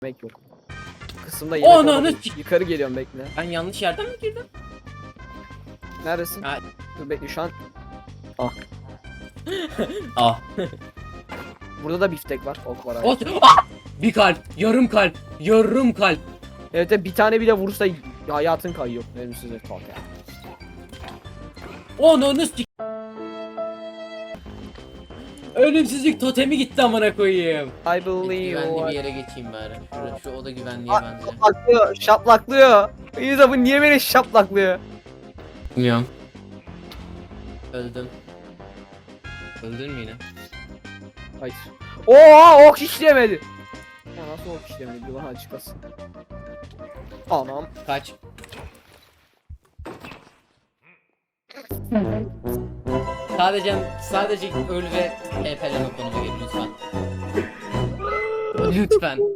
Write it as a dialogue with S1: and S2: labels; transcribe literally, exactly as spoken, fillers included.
S1: Yemek yok. Kısımda yemek
S2: Ananı
S1: olmadı.
S2: sik-
S1: Yukarı geliyorum, bekle.
S2: Ben yanlış yerden mi girdim?
S1: Neredesin?
S2: Ha.
S1: Dur bekle şu an. Ah.
S2: Ah.
S1: Burada da biftek var. Ok var abi.
S2: Ot. Ah! Bir kalp, yarım kalp, yarım kalp.
S1: Evet de bir tane bile vurursa hayatın kayıyor. Ölümsüz et ya.
S2: Ananı sik. Ölümsüzlük totemi gitti amına koyayım.
S1: I
S2: Bir
S1: believe.
S2: güvenli bir yere geçeyim bari. Şurada, şu oda güvenliye benziyor.
S1: Şaplaklıyor, şaplaklıyor. İyice bu niye beni şaplaklıyor?
S2: Bilmiyorum. Öldüm. Öldün mü yine?
S1: Hayır. Oo, ok işlemedi. Ya nasıl ok işlemedi? Bir bana açıklasın. Anam.
S2: Kaç. Sadece sadece öl ve E P L'me konuma gel lütfen. Lütfen.